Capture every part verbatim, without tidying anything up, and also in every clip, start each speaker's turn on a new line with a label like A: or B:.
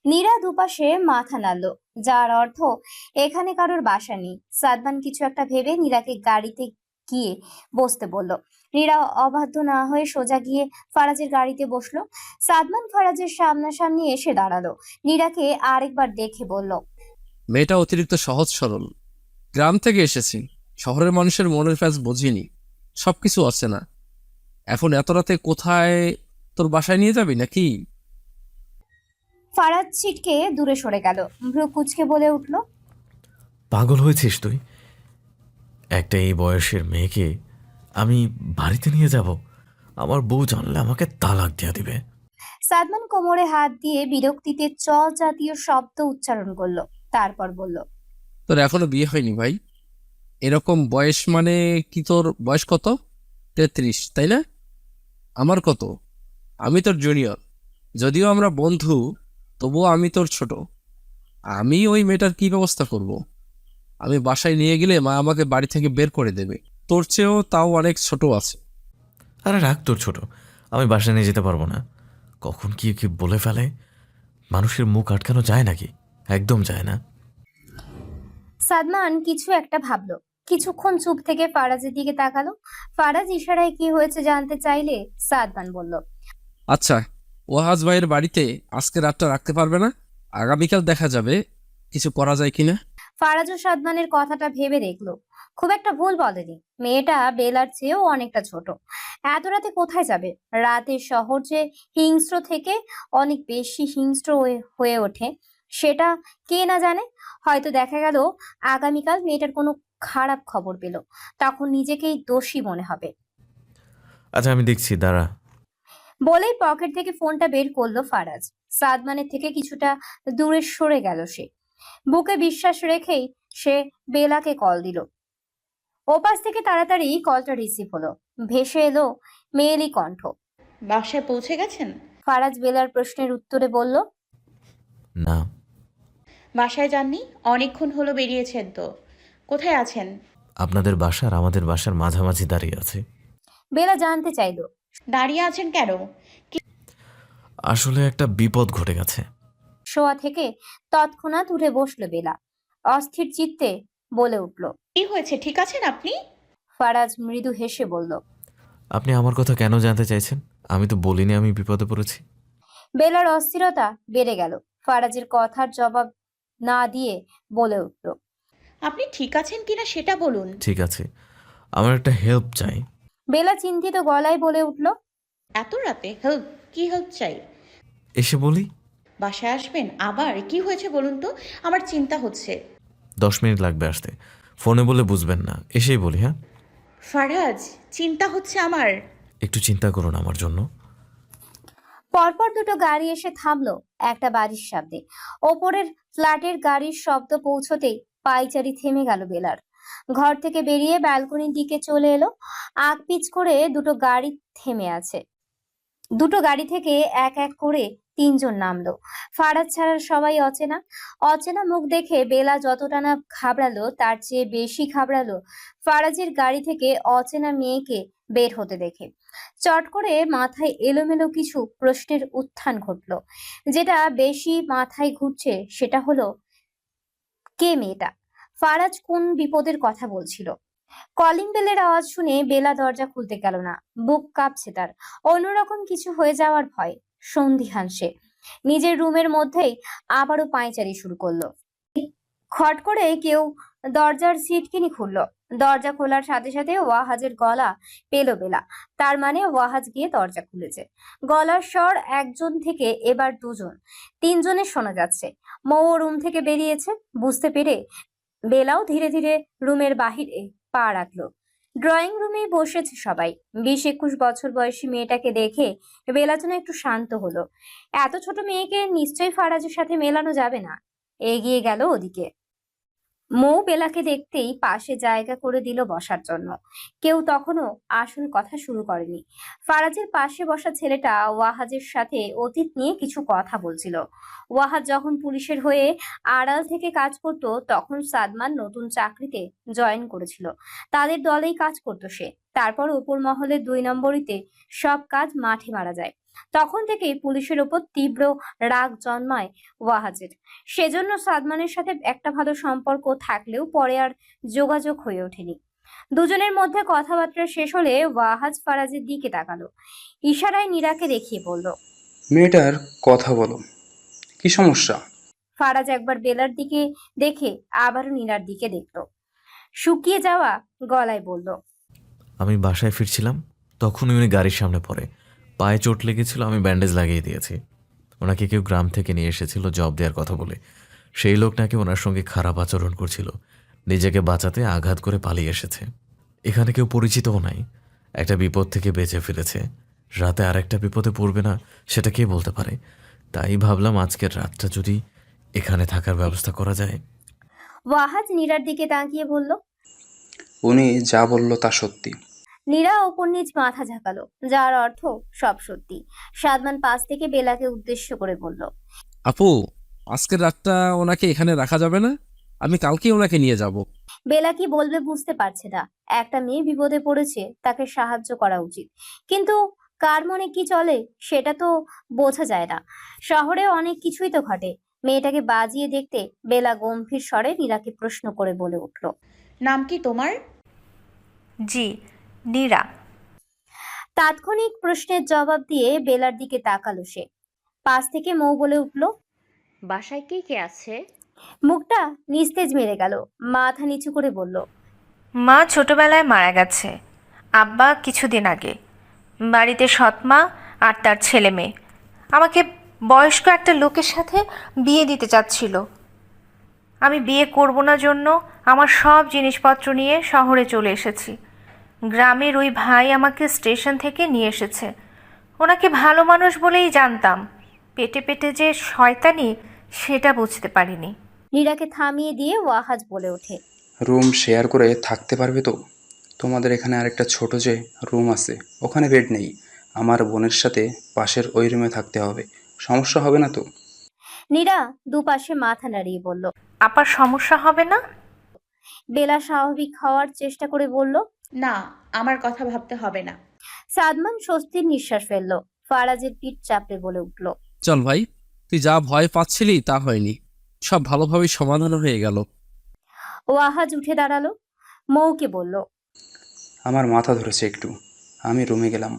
A: নীরা দুপাশে মাথা নাড়ল, যার অর্থ এখানে কারোর বাসা নেই। সাদমান কিছু একটা ভেবে নীরাকে গাড়িতে গিয়ে বসতে বলল। নীরা অবাধ্য না হয়ে সোজা গিয়ে ফারাজের গাড়িতে বসলো। সাদমান ফারাজের সামনাসামনি এসে দাঁড়ালো, নীরাকে আরেকবার দেখে বলল,
B: মেয়েটা অতিরিক্ত সহজ সরল। গ্রাম থেকে এসেছি, শহরের মানুষের মনের ফ্যাস বুঝিনি, সবকিছু আছে না। এখন এত রাতে কোথায়? তোর বাসায় নিয়ে যাবি নাকি?
A: ফারাজ ছিটকে দূরে সরে গেল, ভ্রু কুচকে বলে উঠল,
C: পাগল হয়েছিস তুই? একটা এই বয়সের মেয়েকে আমি বাড়িতে নিয়ে যাব? আমার বউ জানলে আমাকে তালাক দিয়ে দিবে।
A: সাদমান কোমরে হাত দিয়ে বিরক্তিতে চ জাতীয় শব্দ উচ্চারণ করলো, তারপর বলল,
B: তোর এখনো বিয়ে হয়নি ভাই। এরকম বয়স মানে কি? তোর বয়স কত? তেত্রিশ, তাই না? আমার কত? আমি তোর জুনিয়র। যদিও আমরা বন্ধু, তবুও আমি তোর ছোট। আমি ওই মেয়েটার কি ব্যবস্থা করব? আমি বাসায় নিয়ে গেলে মা আমাকে বাড়ি থেকে বের করে দেবে। তোর চেয়েও তাও অনেক ছোট আছে।
C: আরে রাখ তোর ছোট, আমি বাসায় নিয়ে যেতে পারবো না। কখন কি কি বলে ফেলে, মানুষের মুখ আটকানো যায় নাকি? একদম যায় না।
A: সাদমান কিছু একটা ভাবলো, কিছুক্ষণ চুপ থেকে ফারাজের দিকে তাকালো। ফারাজ ইশারায় কি হয়েছে জানতে চাইলে সাদমান বলল,
B: আচ্ছা, ওয়াহাজ ভাইয়ের বাড়িতে আজকে রাতটা রাখতে পারবে না? আগামীকাল দেখা যাবে কিছু করা যায় কিনা।
A: ফারাজ ও সাদমানের কথাটা ভেবে দেখলো, খুব একটা ভুল বলেনি। মেয়েটা বেলার চেয়েও অনেকটা ছোট, এত রাতে কোথায় যাবে? রাতের শহর যে হিংস্র থেকে অনেক বেশি হিংস্র হয়ে হয়ে ওঠে, সেটা কে না জানে। হয়তো দেখা গেল আগামীকাল মেয়েটার কোনো খারাপ খবর পেল, তখন নিজেকেই দোষী মনে হবে।
C: আচ্ছা আমি দেখছি, দাঁড়া।
A: বলেই পকেট থেকে ফোনটা বের করলো ফারাজ। সাদমানের থেকে কিছুটা দূরে সরে গেল সে। বুকে বিশ্বাস রেখেই সে বেলাকে কল দিল। ওপাশ থেকে তাড়াতাড়ি কলটা রিসিভ হলো। ভেসে এলো মেয়েলি কণ্ঠ।
D: বাসায় পৌঁছে গেছেন?
A: ফারাজ বেলার প্রশ্নের উত্তরে বলল,
C: না।
D: বাসায় যাননি? অনেকক্ষণ হলো বেরিয়েছেন তো। কোথায় আছেন?
C: আপনাদের বাসার আমাদের বাসার মাঝামাঝি দাঁড়িয়ে আছে।
A: বেলা জানতে চাইলো,
D: দাঁড়িয়ে আছেন কেন?
C: আসলে একটা বিপদ ঘটে গেছে।
A: শোয়া থেকে তৎক্ষণাৎ উঠে বসলো বেলা, অস্থির চিত্তে বলে উঠল।
D: কি হয়েছে, ঠিক আছেন আপনি?
A: ফারাজ মৃদু হেসে বলল।
C: আপনি আমার কথা কেন জানতে চাইছেন? আমি তো বলিনি আমি বিপদে পড়েছি।
A: বেলার অস্থিরতা বেড়ে গেল। ফারাজের কথার জবাব না দিয়ে বলে উঠল,
D: আপনি ঠিক আছেন কিনা সেটা বলুন।
C: ঠিক আছে, আমার একটা হেল্প চাই।
A: বেলা চিন্তিত গলায় বলে উঠল,
D: এত রাতে হেল্প? কি হেল্প চাই?
C: এসে বলি?
D: বাসায় আসবেন? আবার কি হয়েছে বলুন তো, আমার চিন্তা হচ্ছে।
C: দশ মিনিট লাগবে আসতে। ফোনে বলে বুঝবেন না, এসেই বলি। হ্যাঁ,
D: ফারাজ, চিন্তা হচ্ছে আমার।
C: একটু চিন্তা করুন আমার জন্য।
A: পরপর দুটো গাড়ি এসে থামলো একটা বাড়ির সামনে। ওপরের ফ্ল্যাটের গাড়ির শব্দ পৌঁছতেই পায়চারি থেমে গেল বেলার। ঘর থেকে বেরিয়ে ব্যালকনির দিকে চলে এলো। আগ পিচ করে দুটো গাড়ি থেমে আছে। দুটো গাড়ি থেকে এক এক করে তিনজন নামলো। ফারাজ ছাড়া সবাই অচেনা। অচেনা মুখ দেখে বেলা যতটা না ঘাবড়ালো, তার চেয়ে বেশি ঘাবড়ালো ফারাজের গাড়ি থেকে অচেনা মেয়েকে বের হতে দেখে। চট করে মাথায় এলোমেলো কিছু প্রশ্নের উত্থান ঘটলো। যেটা বেশি মাথায় ঘুরছে সেটা হলো, কে মেয়েটা? ফারাজ কোন বিপদের কথা বলছিল? কলিং বেলের আওয়াজ শুনে বেলা দরজা খুলতে গেল না। বুক কাঁপছে তার, অন্যরকম কিছু হয়ে যাওয়ার ভয়। সন্দিহান সে। নিজের রুমের মধ্যেই আবারও পায়চারি শুরু করলো। খট করে কেউ দরজার সিটকিনি খুললো। দরজা খোলার সাথে সাথে ওয়াহাজের গলা পেল বেলা। তার মানে ওয়াহাজ গিয়ে দরজা খুলেছে। গলার স্বর একজন থেকে এবার দুজন, তিনজনের শোনা যাচ্ছে। মৌ রুম থেকে বেরিয়েছে বুঝতে পেরে বেলাও ধীরে ধীরে রুমের বাহিরে পা রাখলো। ড্রয়িং রুমে বসেছে সবাই। বিশ একুশ বছর বয়সী মেয়েটাকে দেখে বেলা যেন একটু শান্ত হলো। এত ছোট মেয়েকে নিশ্চয়ই ফারাজের সাথে মেলানো যাবে না। এগিয়ে গেল ওদিকে। মৌ বেলাকে দেখতেই পাশে জায়গা করে দিল বসার জন্য। কেউ তখনও আসল কথা শুরু করেনি। ফারাজের পাশে বসা ছেলেটা ওয়াহাজের সাথে অতীত নিয়ে কিছু কথা বলছিল। ওয়াহাজ যখন পুলিশের হয়ে আড়াল থেকে কাজ করত, তখন সাদমান নতুন চাকরিতে জয়েন করেছিল। তাদের দলেই কাজ করতো সে। তারপর ওপর মহলে দুই নম্বরীতে সব কাজ মাঠে মারা যায়। তখন থেকেই পুলিশের ওপর তীব্র রাগ জন্মায় ওয়াহাজের। সেজন্য সাদমানের সাথে একটা ভালো সম্পর্ক থাকলেও পরে আর যোগাযোগ হয়ে ওঠেনি। দুজনের মধ্যে কথাবার্তা শেষ হলে ওয়াহাজ ফারাজের দিকে তাকালো, ইশারায় নীরাকে দেখিয়ে বলল,
E: মেয়েটার কথা বলো, কি সমস্যা?
A: ফারাজ একবার বেলার দিকে দেখে আবারও নীরার দিকে দেখলো, শুকিয়ে যাওয়া গলায় বলল,
C: আমি বাসায় ফিরছিলাম, তখনই উনি গাড়ির সামনে পড়ে। পায়ে চোট লেগেছিল, আমি ব্যান্ডেজ লাগিয়ে দিয়েছি। ওনাকে কেউ গ্রাম থেকে নিয়ে এসেছিল জব দেওয়ার কথা বলে। সেই লোক নাকি ওনার সঙ্গে খারাপ আচরণ করছিল, নিজেকে বাঁচাতে আঘাত করে পালিয়ে এসেছে। এখানে কেউ পরিচিতও নাই, একটা বিপদ থেকে বেঁচে ফিরেছে। রাতে আর একটা বিপদে পড়বে না সেটা কে বলতে পারে। তাই ভাবলাম আজকের রাতটা যদি এখানে থাকার ব্যবস্থা করা যায়।
A: ওয়াহাজ নীরার দিকে তাকিয়ে বলল,
E: উনি যা বলল তা সত্যি।
A: নীরা ওপর নিচ মাথা ঝাঁকালো, যার অর্থ সব সত্যি। সাদমান পাশ থেকে বেলাকে উদ্দেশ্য করে বলল,
B: আপু, আজকের রাতটা ওনাকে এখানে রাখা যাবে না? আমি কালকেই ওনাকে নিয়ে যাব।
A: বেলা কি বলবে বুঝতে পারছে না। একটা মেয়ে বিপদে পড়েছে, তাকে সাহায্য করা উচিত, কিন্তু কার মনে কি চলে সেটা তো বোঝা যায় না। শহরে অনেক কিছুই তো ঘটে। মেয়েটাকে বাজিয়ে দেখতে বেলা গম্ভীর স্বরে নীরাকে প্রশ্ন করে বলে উঠল,
D: নাম কি তোমার?
F: জি, নীরা।
A: তাৎক্ষণিক প্রশ্নের জবাব দিয়ে বেলার দিকে তাকালো সে। পাশ থেকে মৌ বলে উঠল,
G: বাসায় কে কে আছে?
A: মুখটা নিস্তেজ মেরে গেল, মাথা নিচু করে বলল,
F: মা ছোটবেলায় মারা গেছে, আব্বা কিছুদিন আগে। বাড়িতে সৎমা আর তার ছেলে মেয়ে। আমাকে বয়স্ক একটা লোকের সাথে বিয়ে দিতে চাচ্ছিল। আমি বিয়ে করব না জন্য আমার সব জিনিসপত্র নিয়ে শহরে চলে এসেছি। গ্রামের ওই ভাই আমাকে স্টেশন থেকে নিয়ে এসেছে। ওনাকে ভালো মানুষ বলেই জানতাম, পেটে পেটে যে শয়তানি সেটা বুঝতে পারিনি।
A: নীরাকে থামিয়ে দিয়ে ওয়াহাজ বলে ওঠে,
E: রুম শেয়ার করে থাকতে পারবে তো? তোমাদের এখানে আরেকটা ছোট যে রুম আছে, ওখানে বেড নেই। আমার বোনের সাথে পাশের ওই রুমে থাকতে হবে, সমস্যা হবে না তো?
A: নীরা দুপাশে মাথা নাড়িয়ে বলল।
F: আপার সমস্যা হবে না?
A: বেলা স্বাভাবিক হওয়ার চেষ্টা করে বলল।
D: না, আমার কথা ভাবতে হবে না।
A: সাদমান স্বস্তির নিঃশ্বাস ফেললো, ফারাজের পিঠ চাপড়ে বলে উঠল,
B: চল ভাই, তুই যা ভয় পাচ্ছিলি তা হয়নি, সব ভালোভাবেই সমাধান হয়ে গেল।
A: ওয়াহাজ উঠে দাঁড়ালো, মৌকে বলল,
E: আমার মাথা ধরেছে একটু, আমি রুমে গেলাম।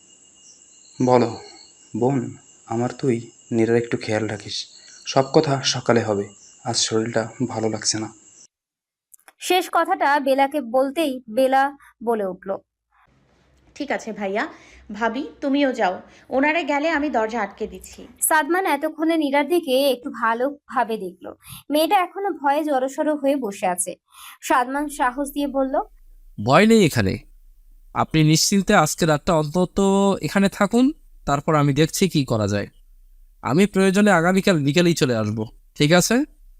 E: বলো বোন, আমার তুই নীরার একটু খেয়াল রাখিস। সব কথা সকালে হবে, আজ শরীরটা ভালো লাগছে না।
A: শেষ কথাটা বেলাকে বলতেই বেলা বলে উঠল,
D: ঠিক আছে ভাইয়া, ভাবি তুমিও যাও। ওনারা গেলে আমি দরজা আটকে দিচ্ছি।
A: সাদমান এতক্ষণে নীরার দিকে একটু ভালোভাবে দেখলো। মেয়েটা এখনো ভয়ে জড়সড় হয়ে বসে আছে। সাদমান সাহস দিয়ে বলল,
B: ভয় নেই এখানে, আপনি নিশ্চিন্তে আজকে রাতটা অন্তত এখানে থাকুন, তারপর আমি দেখছি কি করা যায়। আমি প্রয়োজনে আগামীকাল বিকেলেই চলে আসব, ঠিক আছে?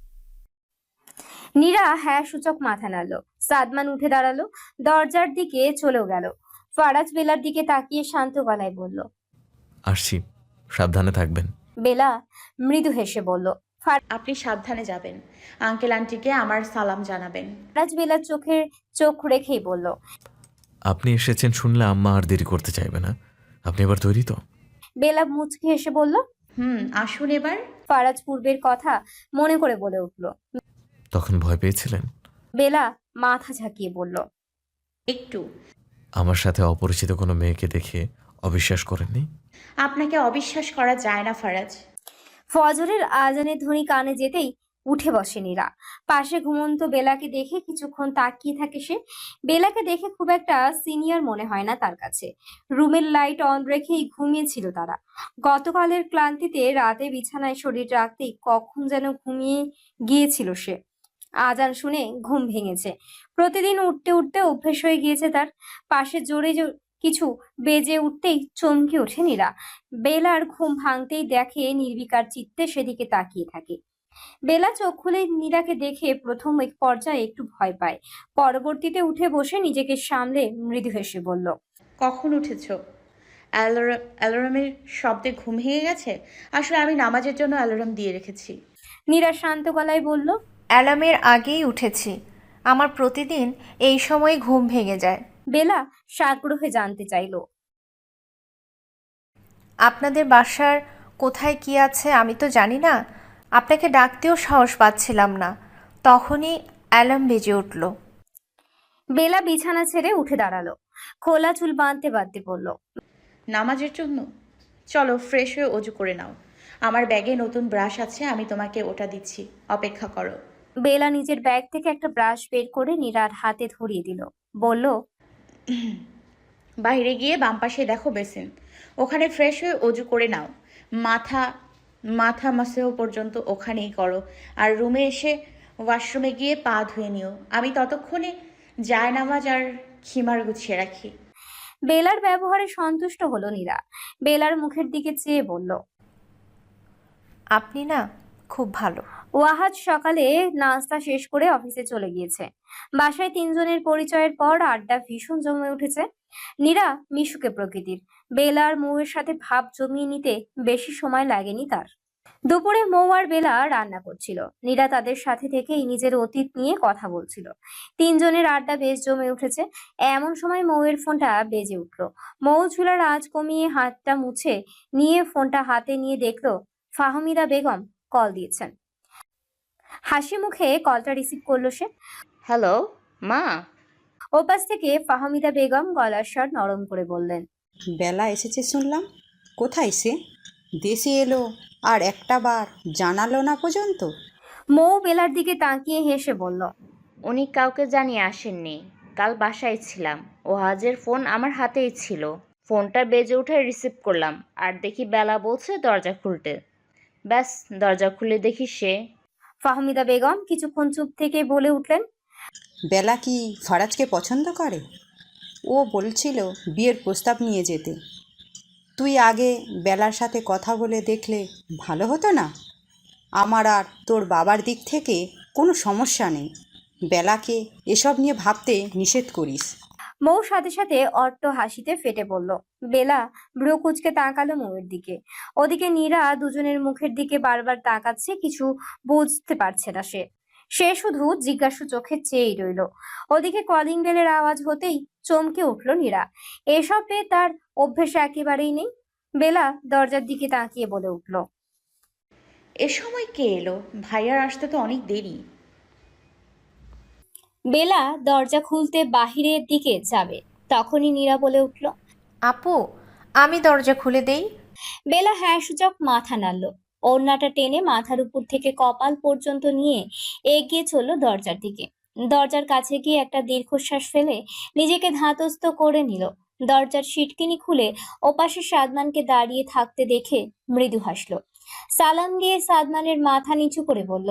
A: নীরা হ্যাঁ সূচক মাথা নাড়ল। সাদমান উঠে দাঁড়ালো, দরজার দিকে চলেও গেল। ফারাজ বেলার দিকে তাকিয়ে শান্ত গলায় বলল,
C: আসছি, সাবধানে থাকবেন।
A: বেলা মৃদু হেসে বলল।
D: আপনি সাবধানে যাবেন। আঙ্কেল আন্টিকে আমার সালাম জানাবেন।
A: ফারাজ বেলার চোখের চোখ রেখেই বলল,
C: আপনি এসেছেন শুনলে আম্মা আর দেরি করতে চাইবে না। আপনি এবার তৈরি তো?
A: বেলা মুচকি হেসে বলল।
D: হুম, আসুন এবার।
A: ফারাজ পূর্বের কথা মনে করে বলে উঠল।
C: তখন ভয় পেয়েছিলেন?
A: বেলা মাথা ঝাঁকিয়ে বলল,
D: একটু।
C: আমার সাথে অপরিচিত কোনো মেয়েকে দেখে অবিশ্বাস করেননি?
D: আপনাকে অবিশ্বাস করা যায় না ফারাজ।
A: ফজরের আজানের ধ্বনি কানে যেতেই উঠে বসে নীরা। পাশে ঘুমন্ত বেলাকে দেখে কিছুক্ষণ তাকিয়ে থাকে সে। বেলাকে দেখে খুব একটা সিনিয়র মনে হয় না তার কাছে। রুমের লাইট অন রেখেই ঘুমিয়েছিল তারা। গতকালের ক্লান্তিতে রাতে বিছানায় শরীর রাখতেই কখন যেন ঘুমিয়ে গিয়েছিল সে। আজান শুনে ঘুম ভেঙেছে। প্রতিদিন উঠতে উঠতে অভ্যেস হয়ে গিয়েছে তার। পাশে জোরে জো- কিছু বেজে উঠতেই চমকে ওঠে নীরা। বেলার ঘুম ভাঙতেই দেখে নির্বিকার চিত্তে সেদিকে তাকিয়ে থাকে। বেলা চোখ খুলে নীরাকে দেখে প্রথম এক পর্যায়ে একটু ভয় পায়, পরবর্তীতে উঠে বসে নিজেকে সামলে মৃদু হেসে বলল,
D: কখন উঠেছ? অ্যালার্ম অ্যালার্মের শব্দে ঘুম ভেঙে গেছে? আসলে আমি নামাজের জন্য অ্যালার্ম দিয়ে রেখেছি।
A: নীরা শান্ত গলায় বলল,
F: অ্যালার্মের আগেই উঠেছি। আমার প্রতিদিন এই সময় ঘুম ভেঙে যায়।
A: বেলা সাগ্রহে জানতে চাইল।
F: আপনাদের বাসার কোথায় কি আছে আমি তো জানি না। আপনাকে ডাকতেও সাহস পাচ্ছিলাম না, তখনই অ্যালার্ম বেজে উঠল।
A: বেলা বিছানা ছেড়ে উঠে দাঁড়ালো, খোলা চুল বাঁধতে বাঁধতে বলল,
D: নামাজের জন্য? চলো ফ্রেশ হয়ে অজু করে নাও। আমার ব্যাগে নতুন ব্রাশ আছে, আমি তোমাকে ওটা দিচ্ছি, অপেক্ষা করো।
A: বেলা নিজের ব্যাগ থেকে একটা ব্রাশ বের করে নীরার হাতে ধরিয়ে দিল, বলল,
D: বাইরে গিয়ে বাম পাশে দেখো বেসিন, ওখানে ফ্রেশ হয়ে অজু করে নাও। মাথা মাথা মাসেও পর্যন্ত ওখানেই করো। আর রুমে এসে ওয়াশরুমে গিয়ে পা ধুয়ে নিও। আমি ততক্ষণে জায়নামাজ আর খিমার গুছিয়ে রাখি।
A: বেলার ব্যবহারে সন্তুষ্ট হলো নীরা। বেলার মুখের দিকে চেয়ে বলল,
F: আপনি না খুব ভালো।
A: ওয়াহাজ সকালে নাস্তা শেষ করে অফিসে চলে গিয়েছে। বাসায় তিনজনের পরিচয়ের পর আড্ডা ভীষণ জমে উঠেছে। নীরা মিশুকে প্রকৃতির, বেলার মৌয়ের সাথে ভাব জমিয়ে নিতে বেশি সময় লাগেনি তার। দুপুরে মৌ আর বেলা রান্না করছিল, নীরা তাদের সাথে থেকেই নিজের অতীত নিয়ে কথা বলছিল। তিনজনের আড্ডা বেশ জমে উঠেছে। এমন সময় মৌয়ের ফোনটা বেজে উঠলো। মৌ চুলার আঁচ কমিয়ে হাতটা মুছে নিয়ে ফোনটা হাতে নিয়ে দেখলো ফাহমিদা বেগম কল দিয়েছেন। হাসি মুখে কলটা রিসিভ করলো সে।
G: হ্যালো মা।
A: ওপাশ থেকে ফাহমিদা বেগম গলার স্বর নরম করে বললেন,
H: বেলা এসেছে শুনলাম, কোথায় সে? দেশে এলো আর একটা বার জানালো না পর্যন্ত।
A: মৌ বেলার দিকে তাকিয়ে হেসে বলল,
G: উনি কাউকে জানিয়ে আসেননি, কাল বাসায় ছিলাম, ওহাজের ফোন আমার হাতেই ছিল। ফোনটা বেজে উঠে রিসিভ করলাম, আর দেখি বেলা বলছে দরজা খুলতে। ব্যাস দরজা খুলে দেখি সে।
A: ফাহমিদা বেগম কিছুক্ষণ চুপ থেকে বলে উঠলেন,
H: বেলা কি ফারাজকে পছন্দ করে? ও বলছিল বিয়ের প্রস্তাব নিয়ে যেতে। তুই আগে বেলার সাথে কথা বলে দেখলে ভালো হতো না? আমার আর তোর বাবার দিক থেকে কোনো সমস্যা নেই, বেলাকে এসব নিয়ে ভাবতে নিষেধ করিস।
A: মৌ সাথে সাথে অট্ট হাসিতে ফেটে পড়ল। বেলা ভ্রু কুঁচকে তাকালো মৌয়ের দিকে। ওদিকে নীরা দুজনের মুখের দিকে বারবার তাকাচ্ছে, কিছু বুঝতে পারছে না সে সে শুধু জিজ্ঞাসু চোখে চেয়েই রইল। ওদিকে কলিং বেলের আওয়াজ হতেই চমকে উঠল নীরা। এসব পেয়ে তার অভ্যেস একেবারেই নেই। বেলা দরজার দিকে তাকিয়ে বলে উঠল,
D: এ সময় কে এলো? ভাইয়ার আসতে তো অনেক দেরি।
A: বেলা দরজা খুলতে বাহিরের দিকে যাবে, তখনই নীরা বলে উঠল,
F: আপু, আমি দরজা খুলে দেই।
A: বেলা হ্যাঁ সূচক মাথা নাড়ল। ওড়নাটা টেনে মাথার উপর থেকে কপাল পর্যন্ত নিয়ে এগিয়ে চলল দরজার দিকে। দরজার কাছে গিয়ে একটা দীর্ঘশ্বাস ফেলে নিজেকে ধাতস্থ করে নিল। দরজার সিটকিনি খুলে ওপাশে সাদমানকে দাঁড়িয়ে থাকতে দেখে মৃদু হাসল। সালাম দিয়ে সাদমানের মাথা নিচু করে বলল,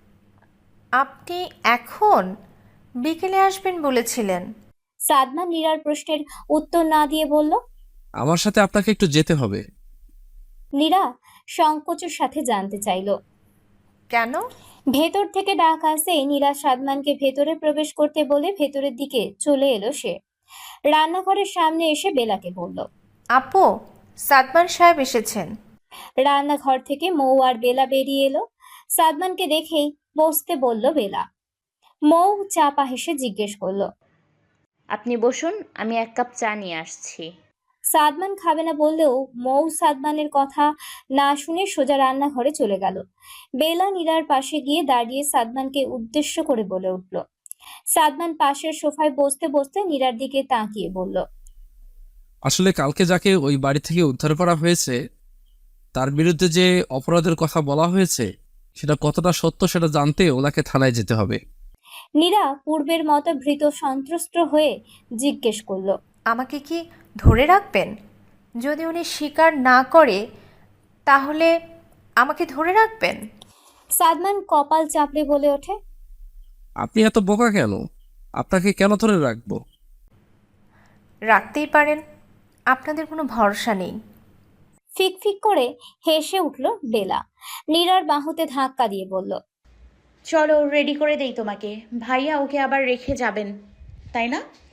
F: আপনি এখন? বিকেলে আসবেন বলেছিলেন।
A: সাদমান নীরার প্রশ্নের উত্তর না দিয়ে বলল,
B: আমার সাথে আপনাকে একটু যেতে হবে।
A: নীরা সংকোচের সাথে জানতে চাইল।
F: কেন?
A: ভেতর থেকে ডাক আসে নীরা সাদমানকে ভেতরে প্রবেশ করতে বলে ভেতরের দিকে চলে এলো সে। রান্নাঘরের সামনে এসে বেলাকে বলল,
F: আপু, সাদমান সাহেব এসেছেন।
A: রান্নাঘর থেকে মৌ আর বেলা বেরিয়ে এলো। সাদমানকে দেখেই বসতে বলল বেলা। মৌ চাপা হেসে জিজ্ঞেস করলো,
G: আপনি বসুন, আমি এক কাপ চা নিয়ে আসছি।
A: সাদমান খাবে না বললেও মৌ সাদমানের কথা না শুনে সোজা রান্নাঘরে চলে গেল। বেলা নীরার পাশে গিয়ে দাঁড়িয়ে সাদমানকে উদ্দেশ্য করে বলে উঠল। সাদমান পাশের সোফায় বসতে বসতে নীরার দিকে তাকিয়ে বলল,
B: আসলে কালকে যাকে ওই বাড়ি থেকে উদ্ধার করা হয়েছে তার বিরুদ্ধে যে অপরাধের কথা বলা হয়েছে সেটা কতটা সত্য সেটা জানতে ওনাকে থানায় যেতে হবে।
A: নীরা পূর্বের মতো ভীত সন্ত্রস্ত হয়ে জিজ্ঞেস করলো,
F: আমাকে কি ধরে রাখবেন? যদি উনি স্বীকার না করে তাহলে আমাকে ধরে রাখবেন?
A: সাদমান কপাল চাপড়ে বলে ওঠে,
B: আপনি এত বোকা কেন? আপনাকে কেন ধরে রাখবো?
F: রাখতেই পারেন, আপনাদের কোনো ভরসা নেই।
A: ফিক ফিক করে হেসে উঠল বেলা। নীরার বাহুতে ধাক্কা দিয়ে বলল,
D: চলো রেডি করে দেই তোমাকে। ভাইয়া ওকে আবার রেখে যাবেন, তাই না?